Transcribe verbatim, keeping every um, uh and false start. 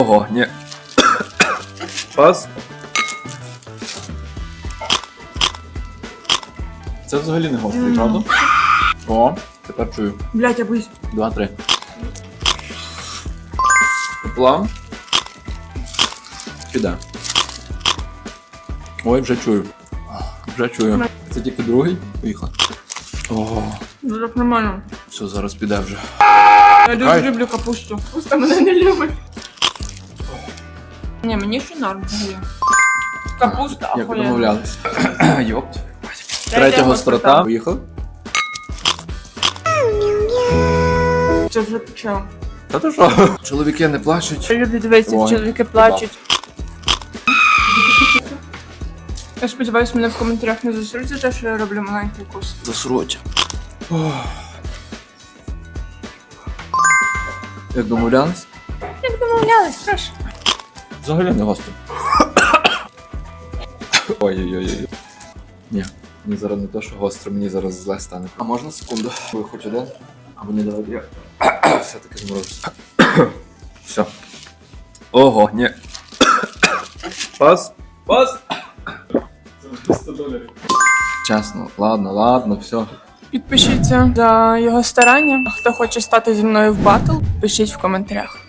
Ого, ні. Пас. Це взагалі не гострий, mm. правда? О, тепер чую. Блять, я боюсь. Два, три. План. Піде. Ой, вже чую. Вже чую. Це тільки другий. Поїхали. О, Ну так нормально. все, зараз піде вже. Я дуже Ай. люблю капусту. Капуста мене не любить. Ні, мені ще норм взагалі. Капуста, як ахуєнна. домовлялись. Йопт. Третя гострота. Поїхали. Це вже почав. Та то що? Чоловіки не плачуть. Я люблю дивитися, Ой, чоловіки плачуть. Я сподіваюся, мене в коментарях не засруть за те, що я роблю маленький укус. Засруть. Як домовлялись? Як домовлялись, прошу. Взагалі не гостро. Ой-ой-ой. Ні, мені зараз не те, що гостро, мені зараз зле стане. А можна секунду? Ви хоч один? Або не давайте я. Все-таки зморозився. Все. Ого, ні. Пас. Пас. Це сто доларів. Чесно, ладно, ладно, все. Підпишіться за його старання. А хто хоче стати зі мною в батл, пишіть в коментарях.